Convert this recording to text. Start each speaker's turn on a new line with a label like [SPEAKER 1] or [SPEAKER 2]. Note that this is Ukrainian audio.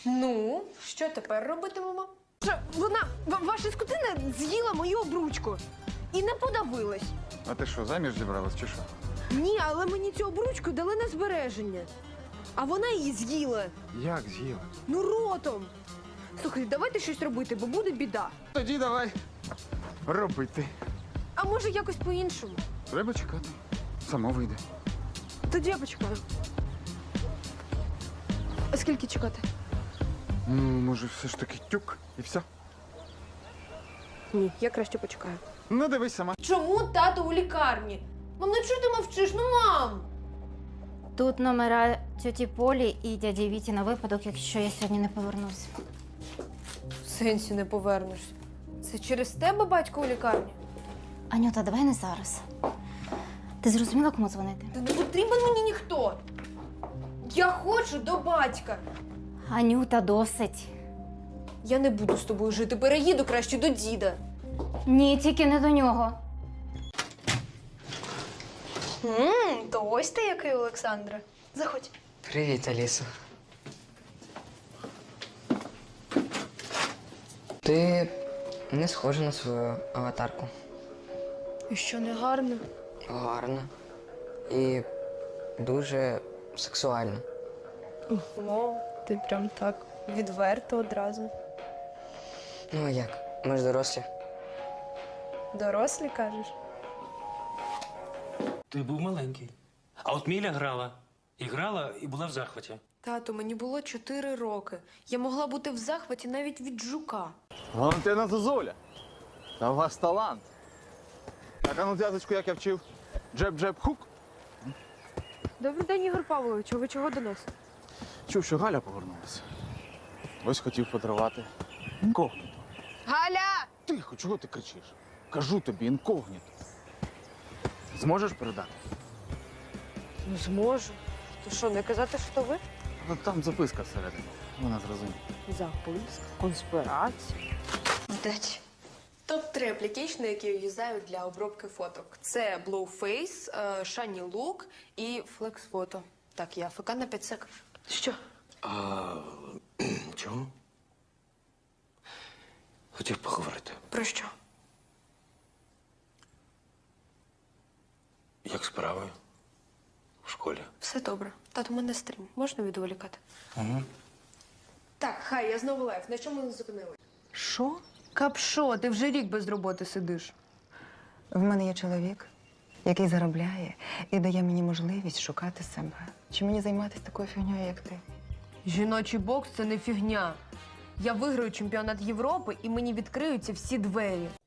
[SPEAKER 1] Ну, що тепер робитимемо?
[SPEAKER 2] Ваша скотина з'їла мою обручку і не подавилась.
[SPEAKER 3] А ти що, заміж зібралась чи що?
[SPEAKER 2] Ні, але мені цю обручку дали на збереження. А вона її з'їла.
[SPEAKER 3] Як з'їла?
[SPEAKER 2] Ну, ротом. Слухай, давайте щось робити, бо буде біда.
[SPEAKER 3] Тоді давай робити.
[SPEAKER 2] А може якось по-іншому?
[SPEAKER 3] Треба чекати. Само вийде.
[SPEAKER 2] Тоді я почекаю. А скільки чекати?
[SPEAKER 3] Ну, може, все ж таки тюк і все.
[SPEAKER 2] Ні, я краще почекаю.
[SPEAKER 3] Ну, дивись сама.
[SPEAKER 1] Чому тато у лікарні? Мам, ну чого ти мовчиш? Ну, мам!
[SPEAKER 4] Тут номера тьоті Полі і дяді Віті на випадок, якщо я сьогодні не повернусь.
[SPEAKER 1] В сенсі не повернешся. Це через тебе батько у лікарні?
[SPEAKER 4] Анюта, давай не зараз. Ти зрозуміла, кому дзвонити?
[SPEAKER 1] Та не потрібен мені ніхто. Я хочу до батька.
[SPEAKER 4] Анюта, досить.
[SPEAKER 1] Я не буду з тобою жити, переїду краще до діда.
[SPEAKER 4] Ні, тільки не до нього.
[SPEAKER 1] То ось ти який, Олександре. Заходь.
[SPEAKER 5] Привіт, Алісо. Ти не схожа на свою аватарку.
[SPEAKER 1] І що, не гарно?
[SPEAKER 5] Гарна. І дуже сексуальна.
[SPEAKER 1] О, ти прям так відверто одразу.
[SPEAKER 5] Ну а як? Ми ж дорослі.
[SPEAKER 1] Дорослі, кажеш?
[SPEAKER 6] Ти був маленький. А от Міля грала. І грала, і була в захваті.
[SPEAKER 1] Тато, мені було 4 роки. Я могла бути в захваті навіть від жука.
[SPEAKER 3] Валентина Зозуля. Та у вас талант. Так, а ну зв'язочку, як я вчив. Джеб-джеб-хук.
[SPEAKER 2] Добрий день, Ігор Павлович. А ви чого до нас?
[SPEAKER 3] Чув, що Галя повернулася. Ось хотів подарувати. Інкогніто.
[SPEAKER 2] Галя!
[SPEAKER 3] Тихо, чого ти кричиш? Кажу тобі, інкогніто. Зможеш передати?
[SPEAKER 2] Ну, зможу. То що, не казати, що ви?
[SPEAKER 3] Ну, там записка всередині. Вона зрозуміє.
[SPEAKER 2] Записка, конспірація.
[SPEAKER 1] Вдачі. Топ-3 аплікейшни, які я юзаю для обробки фоток. Це Blowface, Shiny Look і Flex Photo. Так, я АФК на 5 секунд. Що?
[SPEAKER 6] Чому? Хотів поговорити.
[SPEAKER 1] Про що?
[SPEAKER 6] Як справи? В школі.
[SPEAKER 1] Все добре. Тато, у мене стрім. Можна відволікати?
[SPEAKER 6] Угу.
[SPEAKER 1] Так, хай, я знову лайф. На чому ми зупинили?
[SPEAKER 2] Що? Капшо, ти вже рік без роботи сидиш.
[SPEAKER 7] В мене є чоловік, який заробляє і дає мені можливість шукати себе. Чи мені займатися такою фігньою, як ти?
[SPEAKER 2] Жіночий бокс – це не фігня. Я виграю чемпіонат Європи і мені відкриються всі двері.